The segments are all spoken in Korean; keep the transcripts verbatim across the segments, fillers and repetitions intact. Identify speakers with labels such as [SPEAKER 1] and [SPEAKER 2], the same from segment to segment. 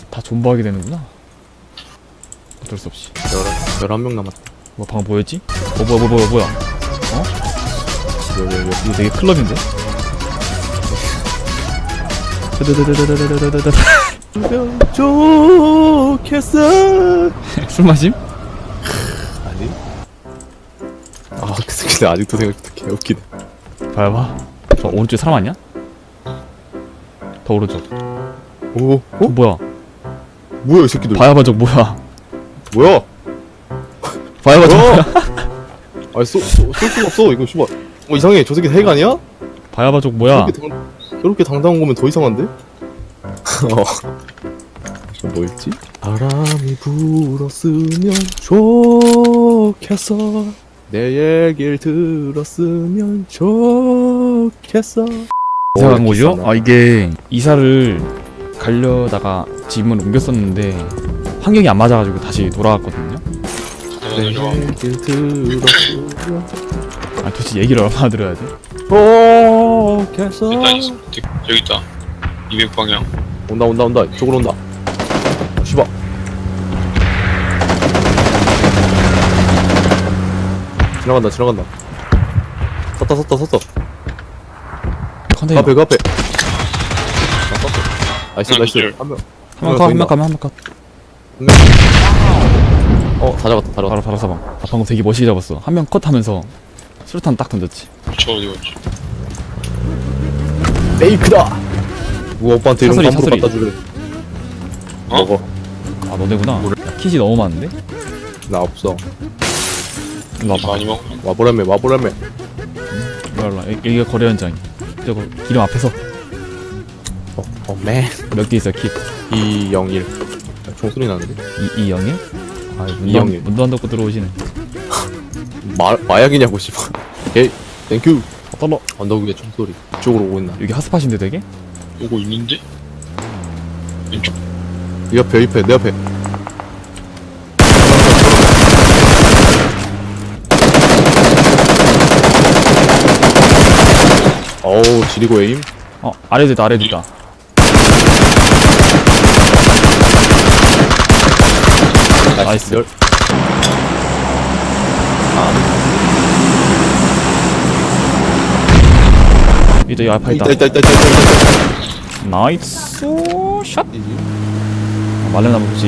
[SPEAKER 1] 다 존버하게 되는구나. 어쩔 수 없이.
[SPEAKER 2] 열한 명 남았다.
[SPEAKER 1] 뭐 방금 뭐였지? 어 뭐야 뭐야 뭐야 뭐야? 어?
[SPEAKER 2] 왜, 왜, 왜.
[SPEAKER 1] 이거 되게 클럽인데?
[SPEAKER 2] 좋겠어.
[SPEAKER 1] 술 마심?
[SPEAKER 2] 아니? 아, 그 새끼들 아직도 생각도 개웃기네.
[SPEAKER 1] 봐봐 봐. 저 오른쪽에 사람 아니야? 더 오른쪽.
[SPEAKER 2] 오,
[SPEAKER 1] 어?
[SPEAKER 2] 어?
[SPEAKER 1] 뭐야?
[SPEAKER 2] 뭐야, 이 새끼들.
[SPEAKER 1] 바야바 적 뭐야?
[SPEAKER 2] 뭐야?
[SPEAKER 1] 바야바 적 뭐야?
[SPEAKER 2] 아니, 쏘, 쏘, 쏠 수가 없어. 이거, 씨발. 어, 이상해. 저 새끼 핵 아니야?
[SPEAKER 1] 바야바 적 뭐야?
[SPEAKER 2] 저렇게, 당, 저렇게 당당한 거면 더 이상한데? 어. 저 뭐였지? 바람이 불었으면 좋겠어. 내 얘길 들었으면 좋겠어.
[SPEAKER 1] 이사 간 거죠? 아 이게 이사를 가려다가 집을 옮겼었는데 환경이 안 맞아가지고 다시 돌아왔거든요.
[SPEAKER 2] 내 얘길 들었으면
[SPEAKER 1] 아 도대체 얘기를 얼마나 들어야 돼?
[SPEAKER 2] 좋겠어.
[SPEAKER 3] 일단 있어. 저기 있다. 이백 방향.
[SPEAKER 2] 온다 온다 온다. 이쪽으로 온다. 어, 씨발. 지나간다 지나간다. 섰다 섰다 섰다.
[SPEAKER 1] 컨테이너
[SPEAKER 2] 그 앞에 그 앞에. 아, 섰어. 나이스
[SPEAKER 3] 하나,
[SPEAKER 2] 나이스.
[SPEAKER 3] 둘.
[SPEAKER 2] 한 명.
[SPEAKER 1] 한명 컷, 한명 컷, 한명 컷.
[SPEAKER 2] 한 명. 어, 다 잡았다, 다 잡았다.
[SPEAKER 1] 바로 바로 사방. 아 방금 되게 멋있게 잡았어. 한 명 컷 하면서 수류탄 딱 던졌지.
[SPEAKER 3] 저 어디 갔지?
[SPEAKER 2] 페이크다! 우와, 오빠한테 이런
[SPEAKER 1] 차소리,
[SPEAKER 2] 거 함부로
[SPEAKER 1] 차소리.
[SPEAKER 2] 갖다 주래.
[SPEAKER 3] 어?
[SPEAKER 2] 먹어.
[SPEAKER 1] 아 너네구나. 야, kit이 너무 많은데?
[SPEAKER 2] 나 없어.
[SPEAKER 1] 일로 와봐.
[SPEAKER 3] 많이 먹어.
[SPEAKER 2] 와보라며, 와보라며.
[SPEAKER 1] 일로 와라. 여기- 여기가 거래 현장이. 저거 기름 앞에서
[SPEAKER 2] 어, 어, 맨.
[SPEAKER 1] 몇 개 있어 킷?
[SPEAKER 2] 이영일. 총소리 나는데?
[SPEAKER 1] 이 이영일? 아
[SPEAKER 2] 이영일.
[SPEAKER 1] 문도 문도 안 닫고 들어오시네.
[SPEAKER 2] 마, 마약이냐고, 씨발. 오케이, 땡큐.
[SPEAKER 1] 떨러.
[SPEAKER 2] 언덕 위에 총소리. 이쪽으로 오고 있나?
[SPEAKER 1] 여기 핫스팟인데 되게?
[SPEAKER 3] 오고 있는데? 왼쪽.
[SPEAKER 2] 이 옆에, 이 옆에, 내 옆에. 어우, 지리고 에임.
[SPEAKER 1] 어 아래도 있다 아래도 있다. 나이스.
[SPEAKER 2] 열.
[SPEAKER 1] 이제 여기 앞에 있다.
[SPEAKER 2] 있다, 있다, 있다, 있다, 있다, 있다.
[SPEAKER 1] 나이스 샷. 말레나무 보지.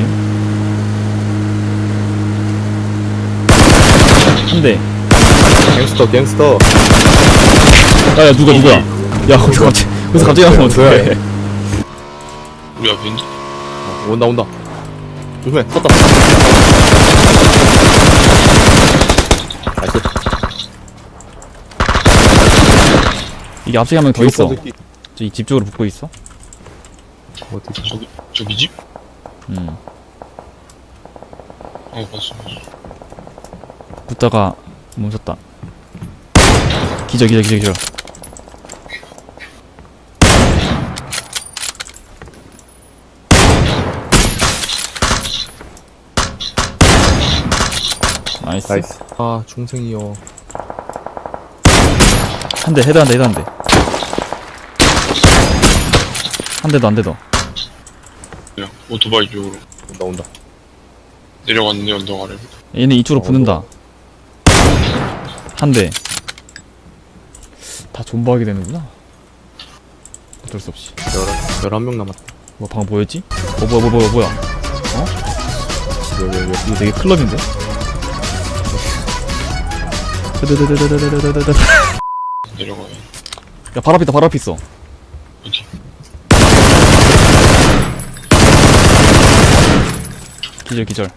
[SPEAKER 1] 한 대.
[SPEAKER 2] 갱스터, 갱스터.
[SPEAKER 1] 야야 누가 누구야? 야 거기서 갑자기 거기서 갑자기 나면 어떡해?
[SPEAKER 3] 우리 앞에 있는데?
[SPEAKER 2] 어, 온다, 온다. 조심해, 섰다. 나이스.
[SPEAKER 1] 이게 앞쪽에 한 명 더 있어.
[SPEAKER 2] 새끼.
[SPEAKER 1] 저기 집 쪽으로 붙고 있어.
[SPEAKER 2] 어디?
[SPEAKER 3] 저기, 저기 집?
[SPEAKER 1] 음.
[SPEAKER 3] 어, 봤어.
[SPEAKER 1] 붙다가 멈췄다. 기절 기절 기절 기절. 나이스.
[SPEAKER 2] 나이스. 아, 중생이요.
[SPEAKER 1] 한 대 헤드 한 대 헤드 한 대. 한 대도 안 대도.
[SPEAKER 3] 그냥 오토바이 쪽으로
[SPEAKER 2] 온다, 온다.
[SPEAKER 3] 내려갔는데 언덕 아래로.
[SPEAKER 1] 얘네 이쪽으로
[SPEAKER 2] 어,
[SPEAKER 1] 붙는다. 한 대. 다 존버하게 되는구나. 어쩔 수 없이.
[SPEAKER 2] 열한, 열한 명 남았다.
[SPEAKER 1] 뭐 방금 뭐였지? 어 뭐야 뭐야 뭐야 뭐야? 어?
[SPEAKER 2] 왜, 왜, 왜.
[SPEAKER 1] 이거 되게 클럽인데?
[SPEAKER 3] 내려가야.
[SPEAKER 1] 야 바로 앞에 있다 바로 앞에 있어.
[SPEAKER 3] 어디?
[SPEAKER 1] 기절 기절.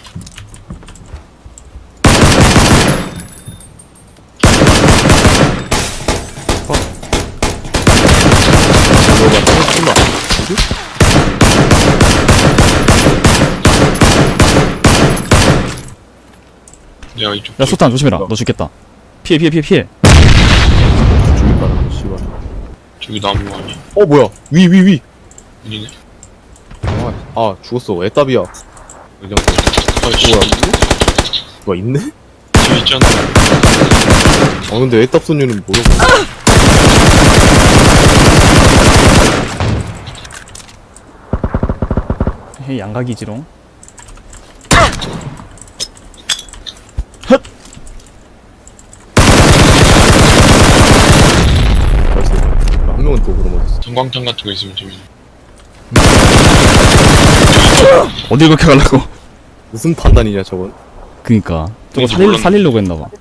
[SPEAKER 2] 뭐가 잠깐만. 뭐지?
[SPEAKER 3] 내가 이쪽.
[SPEAKER 1] 야 소탄 조심해라. 너 죽겠다. 피해 피해 피해 피해.
[SPEAKER 2] 죽일 거라, 씨발.
[SPEAKER 3] 저기 나무 아니야?
[SPEAKER 2] 어, 뭐야? 위, 위, 위.
[SPEAKER 3] 아니네?
[SPEAKER 2] 아, 아 죽었어. 애답이야. 그냥. 아, 뭐야? 뭐가 있네?
[SPEAKER 3] 저기 있잖아.
[SPEAKER 2] 아, 근데 애답 소녀는 뭐야?
[SPEAKER 1] 헤이 양각이지롱.
[SPEAKER 2] 나이스. 한 명은 또 그럼 어딨어?
[SPEAKER 3] 전광탄 같은 거 있으면 재밌네.
[SPEAKER 1] 어딜 그렇게 가려고?
[SPEAKER 2] 무슨 판단이냐 저건?
[SPEAKER 1] 그니까 저거
[SPEAKER 3] 뭔지
[SPEAKER 1] 살릴,
[SPEAKER 3] 몰랐네.
[SPEAKER 1] 살리려고 했나봐.